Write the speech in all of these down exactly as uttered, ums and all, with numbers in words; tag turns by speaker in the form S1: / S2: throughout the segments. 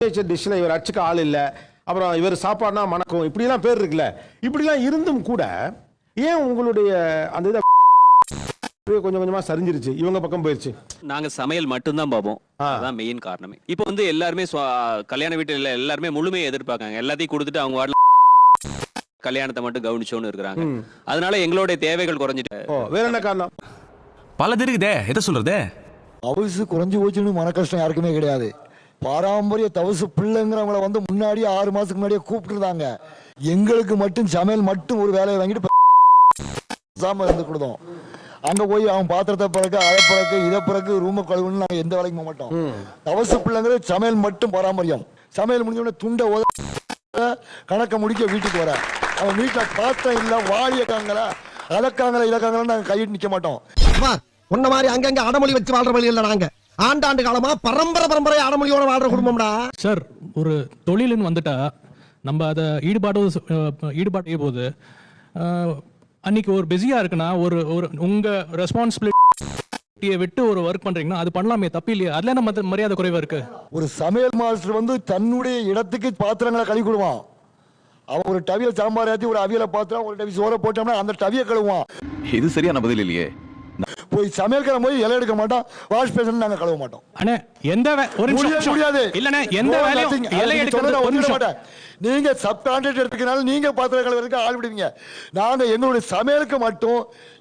S1: டிஷ்ல இவர் அச்சுக்க ஆள் இல்லை, அப்புறம் இவர் சாப்பாடுனா மணக்கும், இப்படிலாம் பேர் இருக்குல்ல. இப்படிலாம் இருந்தும் கூட ஏன் உங்களுடைய அந்த இதை கொஞ்சம் கொஞ்சமா சரிஞ்சிருச்சு, இவங்க பக்கம் போயிருச்சு?
S2: நாங்க சமையல் மட்டும்தான் பார்ப்போம், அதான் மெயின் காரணமே. இப்போ வந்து எல்லாருமே கல்யாண வீட்டுல எல்லாருமே முழுமையை எதிர்பார்க்காங்க. எல்லாத்தையும் கொடுத்துட்டு அவங்க வாடல கல்யாணத்தை மட்டும் கவனிச்சோன்னு இருக்கிறாங்க. அதனால எங்களுடைய தேவைகள் குறைஞ்சிட்டு.
S1: வேற என்ன காரணம்?
S3: பல தெரியுதே, எதை சொல்றது?
S4: தவசு குறைஞ்சு போச்சுன்னு மன கஷ்டம் யாருக்குமே கிடையாது. பாரம்பரிய தவசு பிள்ளைங்கிறவங்கள வந்து முன்னாடியே ஆறு மாசத்துக்கு முன்னாடியே கூப்பிட்டுருந்தாங்க. எங்களுக்கு மட்டும் சமையல் மட்டும் ஒரு வேலையை வாங்கிட்டு இருந்து கொடுத்தோம். அங்க போய் அவன் பாத்திரத்தை பிறகு அதை பிறகு இதை பிறகு ரூம கழுவுன்னு நாங்க எந்த வேலைக்கும் போக மாட்டோம். தவசு பிள்ளைங்கிறது சமையல் மட்டும் பாரம்பரியம். சமையல் முடிஞ்ச உடனே துண்டை உத கணக்க முடிக்க வீட்டுக்கு வர அவன் வீட்டுல பாத்திரம் இல்ல வாழியக்காங்களா அதக்காங்களா இதக்காங்களா நாங்க கையிட்டு நிக்க மாட்டோம்.
S5: உன்ன மாதிரி அங்கங்க அடமொழி வச்சு வாழ்ற வழி இல்ல. நாங்க ஆண்டாண்டு காலமா பரம்பரை பரம்பரை அடமொழியோட வாழ்ற குடும்பம்டா
S6: சார். ஒரு தொழிலுன்னு வந்துட்டா நம்ம அதை ஈடுபாடு ஈடுபாடு போது அன்னைக்கு ஒரு பிஸியா இருக்குன்னா ஒரு ஒரு உங்க ரெஸ்பான்சிபிலிட்டியை விட்டு ஒரு ஒர்க் பண்றீங்கன்னா அது பண்ணலாமே, தப்பு இல்லையா? அதுல என்ன மரியாதை குறைவா இருக்கு?
S4: ஒரு சமையல் மாஸ்டர் வந்து தன்னுடைய இடத்துக்கு பாத்திரங்களை கழுவி கொடுவான். அவன் ஒரு டவியல் சாம்பார் ஏற்றி ஒரு அவியலை பாத்திரம் ஒரு டவி சோற போட்டோம்னா அந்த டவியை கழுவான்.
S3: இது சரியான பதில் இல்லையே.
S4: போய் சமையல்கார போய் இலை எடுக்க மாட்டோம், வாஷ் பேசன் நாங்க கழுவ மாட்டோம்.
S6: அண்ணே எந்த ஒரு நிமிஷம் முடியாது இல்லனே, எந்த வேலையும் இலை எடுக்கிறது ஒரு நிமிஷம்.
S4: நீங்க சப் கான்ட்ராக்ட் எடுத்துக்கனால நீங்க பாத்திரம் கழுவுறதுக்கு ஆள் விடுவீங்க. நாங்க எங்களுடைய சமையலுக்கு மட்டும்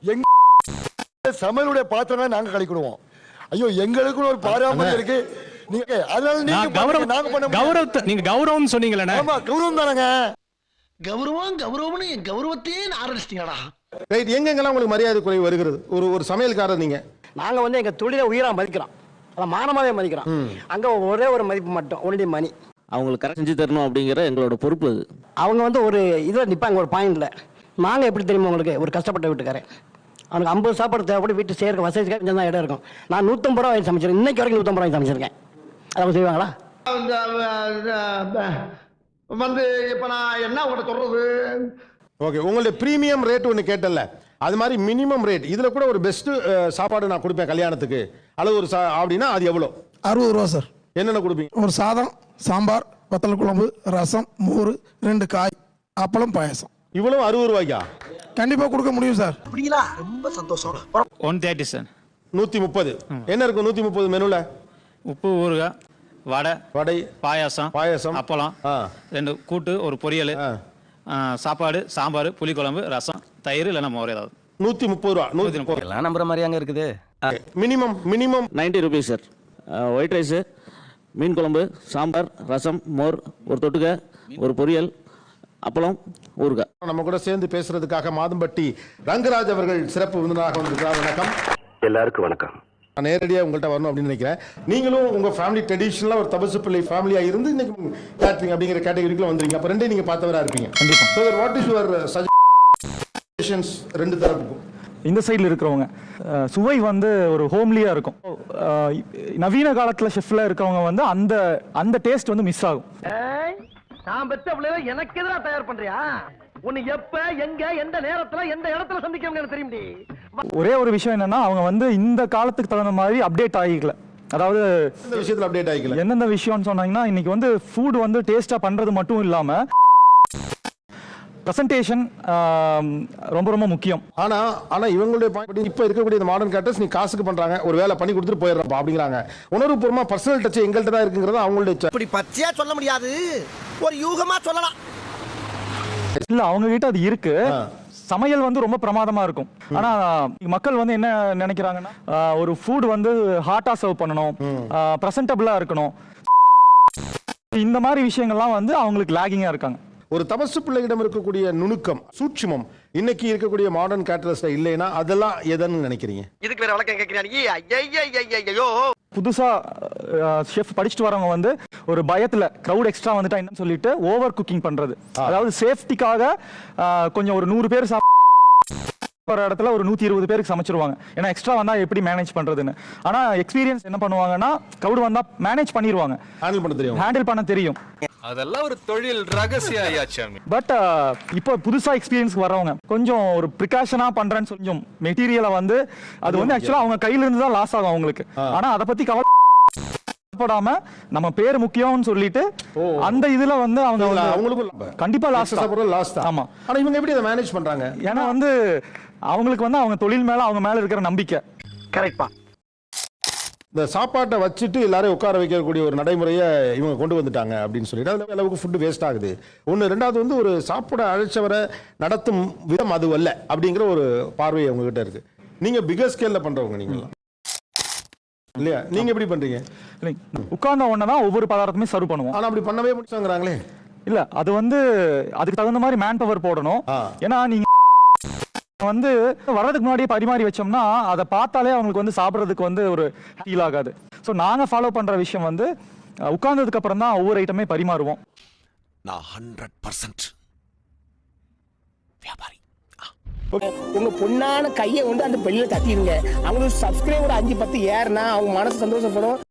S4: எங்க சமையலுடைய பாத்திரம் நாங்க கழுவிடுவோம். ஐயோ எங்களுக்கு ஒரு பாரம்பரியம் இருக்கு. நீங்க அதனால நீங்க கௌரவம் நாங்க பண்ண
S6: கௌரவத்தை நீங்க கௌரவம் சொன்னீங்களே.
S4: ஆமா கௌரவம் தானங்க.
S5: கௌரவம் கௌரவம்னு என் கௌரவத்தையே ஆரம்பிச்சிட்டீங்கடா.
S1: ரைட். எங்கெங்கெல்லாம் உங்களுக்கு மரியாதை குறைவு வருகிறது? ஒரு ஒரு சமையல்காரர் நீங்க.
S7: நாங்க வந்து எங்க தொழிலை உயிரா மதிக்கிறோம், அதான் மானமாவே மதிக்கிறோம். அங்க ஒரே ஒரு மதிப்பு மட்டும், ஒன்லி மணி.
S2: அவங்களுக்கு கரெக்ட் செஞ்சு தரணும் அப்படிங்கிற எங்களோட பொறுப்பு அது.
S7: அவங்க வந்து ஒரு இதில் நிற்பாங்க, ஒரு பாயிண்ட்ல. நாங்கள் எப்படி தெரியுமா உங்களுக்கு, ஒரு கஷ்டப்பட்ட வீட்டுக்காரன், அவனுக்கு ஐம்பது சாப்பாடு தேவைப்பட்டு வீட்டு சேர்க்க வசதிக்காக கொஞ்சம் தான் இடம் இருக்கும். நான் நூற்றம்பது ரூபா வாங்கி சமைச்சிருக்கேன், இன்னைக்கு வரைக்கும் நூற்றம்பது ரூபாய் சமைச்சிருக்கேன். அவங்க செய்வாங்களா?
S5: வந்து இப்போ நான் என்ன உங்கள்கிட்ட சொல்றது?
S1: ஓகே, உங்களுடைய ப்ரீமியம் ரேட் ஒன்று கேட்டல, அது மாதிரி மினிமம் ரேட் இதில் கூட ஒரு பெஸ்ட்டு சாப்பாடு நான் கொடுப்பேன் கல்யாணத்துக்கு அளவு ஒரு சா அப்படின்னா அது எவ்வளோ?
S8: அறுபது ரூபா சார்.
S1: என்னென்ன கொடுப்பீங்க?
S8: ஒரு சாதம், சாம்பார், வத்தல் குழம்பு, ரசம், மோர், ரெண்டு காய், அப்பளம், பாயசம்.
S1: இவ்வளவு அறுபது ரூபாய்க்கா?
S8: கண்டிப்பா கொடுக்க முடியும் சார்.
S5: அப்படிங்களா? ரொம்ப சந்தோஷம்.
S6: One thirty sir.
S1: நூற்றி முப்பது. என்ன இருக்கும் நூற்றி முப்பது மெனுவில்?
S6: உப்பு, ஊறுகாய், வடை,
S1: வடை,
S6: பாயாசம்,
S1: பாயாசம்,
S6: அப்பளம், ரெண்டு கூட்டு, ஒரு பொரியல், சாப்பாடு, சாம்பார், புளிக்குழம்பு, ரசம், தயிர் இல்லைன்னா மோர் ஏதாவது.
S1: நூற்றி முப்பது ரூபா. நூற்றி முப்பது
S3: எல்லாம் நம்புற மாதிரி அங்கே இருக்குது.
S1: Minimum minimum
S2: ninety rupees sir. White rice, மீன் குழம்பு, சாம்பார், ரசம், மோர், ஒரு தொட்டுக்க, ஒரு பொரியல், அப்பளம், ஊறுகாய்.
S1: நம்ம கூட சேர்ந்து பேசுறதுக்காக மாதம்பட்டி ரங்கராஜ் அவர்கள் சிறப்பு விருந்தினராக வந்திருக்கிறார். வணக்கம்.
S9: எல்லாருக்கும் வணக்கம்.
S1: நான் நேரடியாக உங்கள்கிட்ட வரணும் அப்படின்னு நினைக்கிறேன். நீங்களும் உங்கள் ஃபேமிலி ட்ரெடிஷ்னலாக ஒரு தபசு பிள்ளை ஃபேமிலியாக இருந்து இன்னைக்கு கேட்டரிங் அப்படிங்கிற கேட்டகரிக்குள்ள வந்துருங்க. அப்போ ரெண்டே நீங்கள் பார்த்தவராக இருப்பீங்க. கண்டிப்பாக. வாட் இஸ் யுவர் சஜஷன்ஸ் ரெண்டு தரப்புக்கும்?
S10: இந்த சைடில் இருக்கிறவங்க சுவை வந்து ஒரு ஹோம்லியாக இருக்கும். நவீன காலத்தில் ஷெஃப்ல இருக்கவங்க வந்து அந்த அந்த டேஸ்ட் வந்து மிஸ் ஆகும்.
S5: நான் பெற்ற பிள்ளைல எனக்கு எதிராக தயார் பண்றியா? உன்னை எப்ப எங்க எந்த நேரத்துல எந்த இடத்துல சந்திக்கவங்க எனக்கு தெரியும்.
S10: ஒரே ஒரு விஷயம் என்னன்னா, அவங்க வந்து இந்த காலத்துக்கு தகுந்த மாதிரி அப்டேட் ஆகிக்கல. அதாவது
S1: இந்த விஷயத்தில் அப்டேட் ஆகிக்கல.
S10: எந்தெந்த விஷயம்னு சொன்னாங்கன்னா, இன்னைக்கு வந்து ஃபுட் வந்து டேஸ்டா பண்றது மட்டும் இல்லாம பிரசன்டேஷன் ரொம்ப ரொம்ப முக்கியம்.
S1: ஆனா ஆனா இவங்களுடைய பாயிண்ட் இப்போ இருக்கக்கூடிய மாடர்ன் கேட்டர்ஸ் நீ காசுக்கு பண்றாங்க, ஒரு வேலை பண்ணி கொடுத்துட்டு போயிடுறப்பா அப்படிங்கிறாங்க. உணர்வுபூர்வமா பர்சனல் டச் எங்கள்கிட்ட தான் இருக்குங்கிறது அவங்களுடைய.
S5: இப்படி பச்சையா சொல்ல முடியாது, ஒரு யூகமா சொல்லலாம்.
S10: இல்ல அவங்க கிட்ட அது இருக்கு. சமையல் வந்து ரொம்ப பிரமாதமா இருக்கும். ஆனா மக்கள் வந்து என்ன நினைக்கிறாங்கன்னா, ஒரு ஃபுட் வந்து ஹாட்டா சர்வ் பண்ணணும், பிரசன்டபிளா இருக்கணும், இந்த மாதிரி விஷயங்கள்லாம் வந்து அவங்களுக்கு லாகிங்கா இருக்காங்க.
S1: ஒரு தபசு பிள்ளையிடம் இருக்கக்கூடிய நுணுக்கம், சூட்சுமம் இன்னைக்கு இருக்கக்கூடிய மாடர்ன் கேட்டரஸ்ல இல்லைன்னா அதெல்லாம் எதன்னு நினைக்கிறீங்க?
S5: இதுக்கு வேற வழக்கம் கேட்கிறீங்க.
S10: புதுசா ஷெஃப் படிச்சுட்டு வரவங்க வந்து ஒரு பயத்துல கிரவுட் எக்ஸ்ட்ரா வந்துட்டா என்னன்னு சொல்லிட்டு ஓவர் குக்கிங் பண்றது. அதாவது சேஃப்டிக்காக கொஞ்சம் ஒரு நூறு பேர் ஒரு இடத்துல ஒரு நூத்தி இருபது பேருக்கு சமைச்சிருவாங்க. ஏன்னா எக்ஸ்ட்ரா வந்தா எப்படி மேனேஜ் பண்றதுன்னு. ஆனா எக்ஸ்பீரியன்ஸ் என்ன பண்ணுவாங்கன்னா, கிரவுட் வந்தா மேனேஜ் பண்ணிடுவாங்க, ஹேண்டில் பண்ண தெரியும் ஹேண்டில் பண்ண தெரியும்
S3: அதெல்லாம் ஒரு தொழில் ரகசியம் ஆயாச்சாமி.
S10: பட் இப்போ புதுசா எக்ஸ்பீரியன்ஸ் வரவங்க கொஞ்சம் ஒரு ப்ரிகாஷனா பண்றேன்னு கொஞ்சம் மெட்டீரியலை வந்து அது வந்து ஆக்சுவலா அவங்க கையில இருந்து தான் லாஸ் ஆகும் அவங்களுக்கு. ஆனா அதை பத்தி கவலை சாப்பிடாம நம்ம பேர் முக்கியம்னு சொல்லிட்டு அந்த இதுல வந்து அவங்க
S1: இல்ல,
S10: வந்து
S1: அவங்களுக்கும்
S10: கண்டிப்பா லாஸ்ட்
S1: சாப்பிடுறது லாஸ்ட் தான்.
S10: ஆமா.
S1: ஆனா இவங்க எப்படி அதை மேனேஜ் பண்றாங்க?
S10: ஏன்னா வந்து அவங்களுக்கு வந்து அவங்க தொழில் மேல அவங்க மேல இருக்கிற நம்பிக்கை.
S5: கரெக்ட்பா.
S1: இந்த சாப்பாட்டை வச்சுட்டு எல்லாரையும் உட்கார வைக்கக்கூடிய ஒரு நடைமுறையை இவங்க கொண்டு வந்துட்டாங்க அப்படின்னு சொல்லிட்டு அதில் அளவுக்கு ஃபுட்டு வேஸ்ட் ஆகுது. ஒன்று. ரெண்டாவது வந்து ஒரு சாப்பிட அழைச்சவரை நடத்தும் விதம் அது அல்ல அப்படிங்கிற ஒரு பார்வை உங்ககிட்ட இருக்கு. நீங்க பிகர் ஸ்கேல்ல பண்றவங்க நீங்களாம் இல்லையா? நீங்க எப்படி பண்றீங்க?
S10: உட்கார்ந்த உடனே தான் ஒவ்வொரு பதார்த்தமே சர்வ் பண்ணுவோம்.
S1: ஆனா அப்படி பண்ணவே முடிச்சாங்கிறாங்களே.
S10: இல்ல அது வந்து அதுக்கு தகுந்த மாதிரி மேன் பவர் போடணும். ஏன்னா நீங்க வந்து வர்றதுக்கு முன்னாடியே பரிமாறி வச்சோம்னா அதை பார்த்தாலே அவங்களுக்கு வந்து சாப்பிட்றதுக்கு வந்து ஒரு ஃபீல் ஆகாது. ஸோ நாங்க ஃபாலோ பண்ற விஷயம் வந்து உட்கார்ந்ததுக்கு அப்புறம் தான் ஒவ்வொரு ஐட்டமே பரிமாறுவோம்.
S3: நான் ஹண்ட்ரட் பர்சன்ட் வியாபாரி.
S9: உங்க பொண்ணான கையை வந்து அந்த பெல்லில தட்டிடுங்க. அவங்களுக்கு சப்ஸ்கிரைபர் அஞ்சு பத்து ஏறுனா அவங்க மனசு சந்தோஷப்படும்.